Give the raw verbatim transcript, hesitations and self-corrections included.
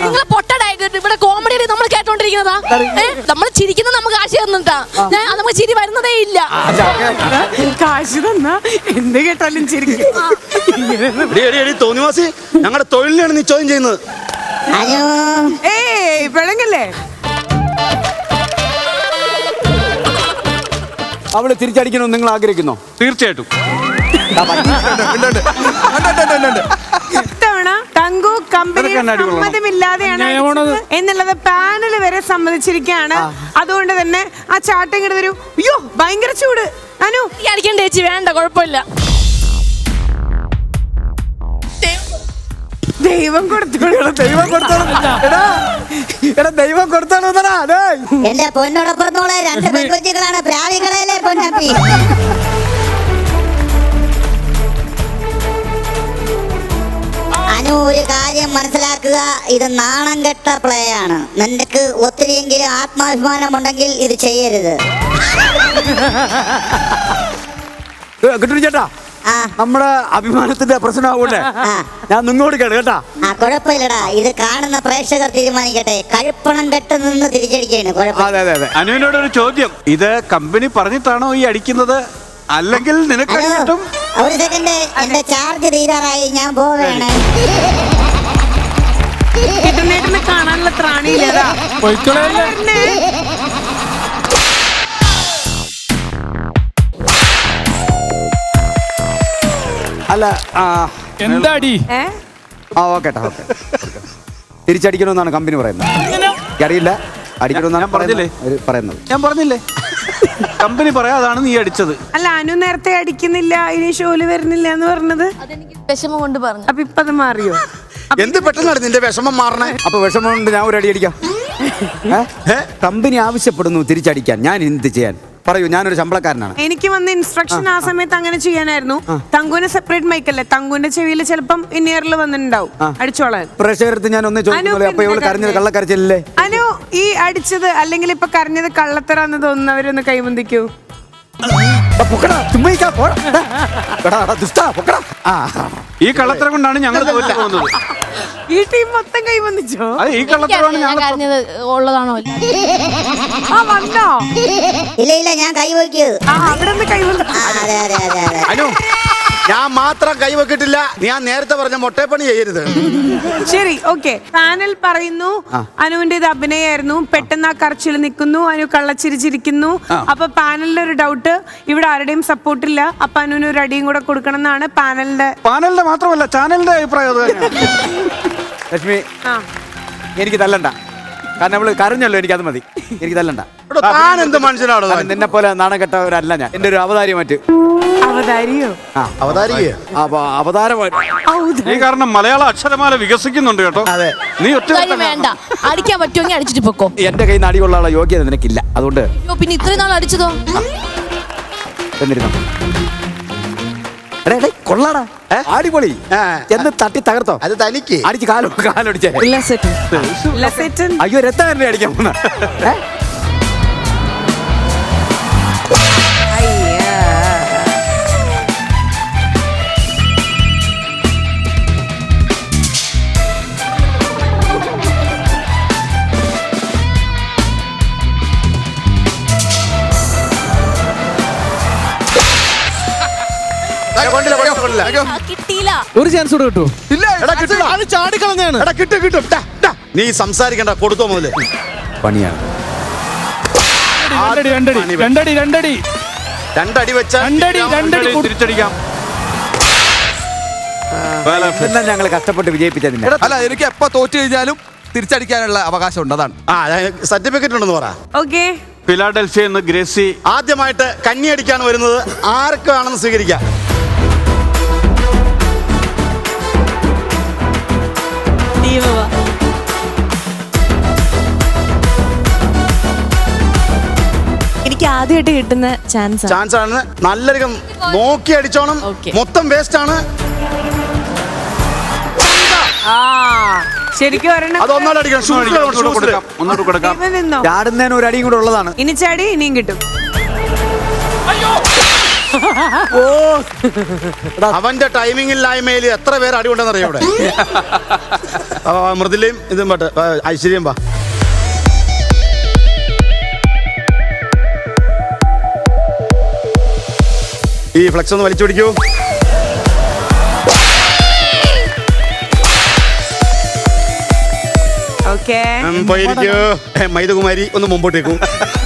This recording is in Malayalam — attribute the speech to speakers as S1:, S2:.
S1: നിങ്ങളെ പൊട്ടടായിട്ട് ഇവിടെ കോമഡി നമ്മൾ കേട്ടോണ്ടിരിക്കുന്നതാ. നമ്മൾ ചിരിക്കുന്നത് നമുക്ക് കാശ് തന്നിട്ടാ. നമുക്ക് ചിരി വരുന്നതേ ഇല്ല.
S2: കാശ് തന്നാ എന്ത് കേട്ടാലും ചിരിക്കും.
S3: തോന്നിവാസി ഞങ്ങളുടെ തൊഴിലിനാണ് നീ ചോദ്യം ചെയ്യുന്നത്.
S2: ഏയ് പിഴങ്ങല്ലേ.
S4: അവള് തിരിച്ചടിക്കണമെന്ന് നിങ്ങൾ ആഗ്രഹിക്കുന്നോ?
S5: തീർച്ചയായിട്ടും.
S2: ഇത്തവണ തങ്കു കമ്പനി സമ്മതമില്ലാതെയാണ് എന്നുള്ളത് പാനൽ വരെ സമ്മതിച്ചിരിക്കുകയാണ്. അതുകൊണ്ട് തന്നെ ആ ചാട്ടം ഇങ്ങോട്ട് വരൂ. അയ്യോ ഭയങ്കര ചൂട്. അനു
S1: അടിക്കണ്ട ചേച്ചി, വേണ്ട, കുഴപ്പമില്ല.
S2: ദൈവം കൊടുത്തോളൂ.
S4: ദൈവം കൊടുത്തോളൂ. എടാ ദൈവം കൊടുത്തോളൂ.
S6: എന്റെ പൊന്നോടൊപ്പത്തോളെ രണ്ട് പെൺകുട്ടികളാണ് പ്രാവികളല്ലേ പൊന്നപ്പി. അനു, ഒരു കാര്യം മനസ്സിലാക്കുക, ഇത് നാണം കെട്ട പ്ലേ ആണ്. നിനക്ക് ഒത്തിരിയെങ്കിലും ആത്മാഭിമാനം ഉണ്ടെങ്കിൽ ഇത് ചെയ്യരുത്.
S4: കിട്ടു ചേട്ടാ, നമ്മുടെ അഭിമാനത്തിന്റെ പ്രശ്നമാകൂടെ ഞാൻ നിന്നോട് കേട്ടോ കേട്ടാ.
S6: ആ കുഴപ്പമില്ലടാ, ഇത് കാണുന്ന പ്രേക്ഷകർ തീരുമാനിക്കട്ടെ. കഴുപ്പണം കെട്ട് നിന്ന് തിരിച്ചടിക്കാണ്.
S5: അനുവിനോട് ഒരു ചോദ്യം, ഇത് കമ്പനി പറഞ്ഞിട്ടാണോ ഈ അടിക്കുന്നത്, അല്ലെങ്കിൽ നിനക്ക് കിട്ടും?
S6: ഒരു സെക്കൻഡ്, എന്റെ ചാർജ് തീരാറായി, ഞാൻ പോവേണേ.
S2: കിട്ടുന്നേട്ടിന് കാണാനുള്ള ത്രാണിയില്ലതാ.
S4: അല്ല
S7: എന്താടി?
S4: ആ ഓക്കെ തിരിച്ചടിക്കണമെന്നാണ് കമ്പനി പറയുന്നത്. അറിയില്ല, അടിക്കണമെന്നാണ് പറഞ്ഞില്ലേ പറയുന്നത്.
S5: ഞാൻ പറഞ്ഞില്ലേ കമ്പനി പറയാതാണ് നീ അടിച്ചത്.
S2: അല്ല, അനു നേരത്തെ അടിക്കുന്നില്ല, ഇനി ഷോല് വരുന്നില്ല എന്ന് പറഞ്ഞത്
S1: അതെനിക്ക് വിഷമം കൊണ്ട് പറഞ്ഞു.
S2: അപ്പൊ ഇപ്പൊ അത് മാറിയോ?
S3: എന്ത് പെട്ടെന്നാണ് നിന്റെ വിഷമം മാറണേ?
S4: അപ്പൊ വിഷമം കൊണ്ട് ഞാൻ ഒരു അടി അടിക്കാം. കമ്പനി ആവശ്യപ്പെടുന്നു തിരിച്ചടിക്കാൻ, ഞാൻ എന്ത് ചെയ്യാൻ പറയൂ? ഞാനൊരു ശമ്പളക്കാരനാണ്.
S2: എനിക്ക് വന്ന ഇൻസ്ട്രക്ഷൻ ആ സമയത്ത് അങ്ങനെ ചെയ്യാനായിരുന്നു. തങ്കുവിന് സെപ്പറേറ്റ് മൈക്കല്ലേ, തങ്കുവിന്റെ ചെവിയിൽ ചിലപ്പം ഇന്നിയറിൽ വന്നിട്ടുണ്ടാവും അടിച്ചോളാൻ.
S4: പ്രേക്ഷകർക്ക് ഞാൻ ഒന്ന് ചോദിക്കുന്നത്, അപ്പൊ ഇവള് കരഞ്ഞത് കള്ളക്കരച്ചില്ലേ?
S2: അനു, ഈ അടിച്ചത് അല്ലെങ്കിൽ ഇപ്പൊ കരഞ്ഞത് കള്ളത്തരാന്ന് തോന്നുന്നവരൊന്ന് കൈമുന്തിക്കൂ.
S5: ഈ കള്ളത്തരം കൊണ്ടാണ് ഞങ്ങൾ തോറ്റു പോകുന്നത്.
S2: ഈ ടീം മൊത്തം കൈവന്നിച്ചോ?
S5: അത് ഈ കള്ളത്തരമാണ് ഞങ്ങൾ
S1: ഉള്ളതാണോ?
S2: ആ വന്നോ?
S6: ഇല്ല ഇല്ല, ഞാൻ കൈവയ്ക്കൂ.
S2: ആ അവിടെ നിന്ന് കൈവന്നു.
S6: അതെ അതെ അതെ അതെ.
S3: അനു, ഞാൻ മാത്രം കൈവെക്കിട്ടില്ല. ഞാൻ നേരത്തെ പറഞ്ഞ മൊട്ടേപ്പണി ചെയ്യരുത്.
S2: ശരി, ഓക്കെ. പാനൽ പറയുന്നു അനുവിന്റെ ഇത് അഭിനയായിരുന്നു. പെട്ടെന്ന് ആ കറച്ചിൽ നിൽക്കുന്നു, അനു കള്ളച്ചിരിച്ചിരിക്കുന്നു. അപ്പൊ പാനലിന്റെ ഒരു ഡൗട്ട്, ഇവിടെ ആരുടെയും സപ്പോർട്ട് ഇല്ല. അപ്പൊ അനുവിന് ഒരു അടിയും കൂടെ കൊടുക്കണം എന്നാണ് പാനലിന്റെ
S5: പാനലിന്റെ മാത്രമല്ല ചാനലിന്റെ അഭിപ്രായം.
S4: ലക്ഷ്മി, എനിക്ക് തല്ലണ്ട, കാരണം അവള് കരഞ്ഞല്ലോ, എനിക്കത് മതി. എനിക്ക് തല്ലണ്ട.
S3: താൻ എന്ത് മനുഷ്യനാണോ?
S4: നിന്നെ പോലെ നാണം കെട്ടവരല്ല ഞാൻ. എന്റെ ഒരു അവതാരി മറ്റ്
S2: അവതാരിയോ?
S4: അവതാരമായിട്ട്
S5: നീ കാരണം മലയാള അക്ഷരമാല വികസിക്കുന്നുണ്ട് കേട്ടോ.
S3: അതെ,
S5: നീ ഒറ്റ
S1: വേണ്ട, അടിക്കാൻ പറ്റുമെങ്കിൽ അടിച്ചിട്ട് പൊക്കോ.
S4: എന്റെ കയ്യിൽ നിന്ന് അടികൊള്ളാനുള്ള യോഗ്യത നിനക്കില്ല. അതുകൊണ്ട്
S1: പിന്നെ ഇത്രയും നാൾ അടിച്ചതോ?
S4: കൊള്ളാടാ, അടിപൊളി. എന്ന് തട്ടി തകർത്തോ?
S3: അത് തനിക്ക്
S4: അടിച്ച് കാലോ കാലടിച്ചേ. അയ്യോ, രക്തം അടിക്കാൻ പോന്ന.
S1: കിട്ടിയില്ല.
S7: ഒരു ചാൻസ് കൂടെ കിട്ടൂ.
S3: ചാടിക്കളഞ്ഞാണ്. നീ സംസാരിക്കണ്ട, കൊടുത്തോ മുതല്.
S4: പണിയാണ്.
S7: രണ്ടടി രണ്ടടി രണ്ടടി
S3: രണ്ടടി വെച്ച
S7: രണ്ടടി രണ്ടടി
S5: തിരിച്ചടിക്കാം.
S4: എല്ലാം ഞങ്ങൾ കഷ്ടപ്പെട്ട് വിജയിപ്പിച്ചതിന്.
S8: അല്ല, എനിക്ക് എപ്പോ തോറ്റു കഴിഞ്ഞാലും തിരിച്ചടിക്കാനുള്ള അവകാശം ഉണ്ട്. അതാണ്.
S3: ആ സർട്ടിഫിക്കറ്റ് ഉണ്ടെന്ന് പറ.
S2: ഓക്കെ.
S5: ഫിലാഡൽഫിയ എന്ന് ഗ്രേസി
S3: ആദ്യമായിട്ട് കന്നി അടിക്കാൻ വരുന്നത് ആർക്കാണെന്ന് സ്വീകരിക്കാം.
S1: എനിക്ക് ആദ്യമായിട്ട് കിട്ടുന്ന ചാൻസ്
S3: ചാൻസ് ആണ്. നല്ലൊരു നോക്കി അടിച്ചോണം. മൊത്തം വേസ്റ്റ് ആണ്.
S2: ശരിക്കും
S3: അതൊന്നാലും അടിക്കണം.
S4: ചാടുന്നതിന് ഒരു അടിയും കൂടെ ഉള്ളതാണ്.
S2: ഇനി ചാടി ഇനിയും കിട്ടും.
S4: ഓ
S3: അവന്റെ ടൈമിംഗില്ലായ്മയിൽ എത്ര പേര് അടി ഉണ്ടെന്നറിയോ ഇവിടെ. ആ, മൃദുലയും ഇതും പട്ട് ഐശ്വര്യം വാ. ഈ ഫ്ലെക്സ് ഒന്ന് വലിച്ചു പിടിക്കൂ.
S2: ഓക്കെ
S3: ഉം, പോയിരിക്കൂ. മൈദകുമാരി ഒന്ന് മുമ്പോട്ടേക്കും.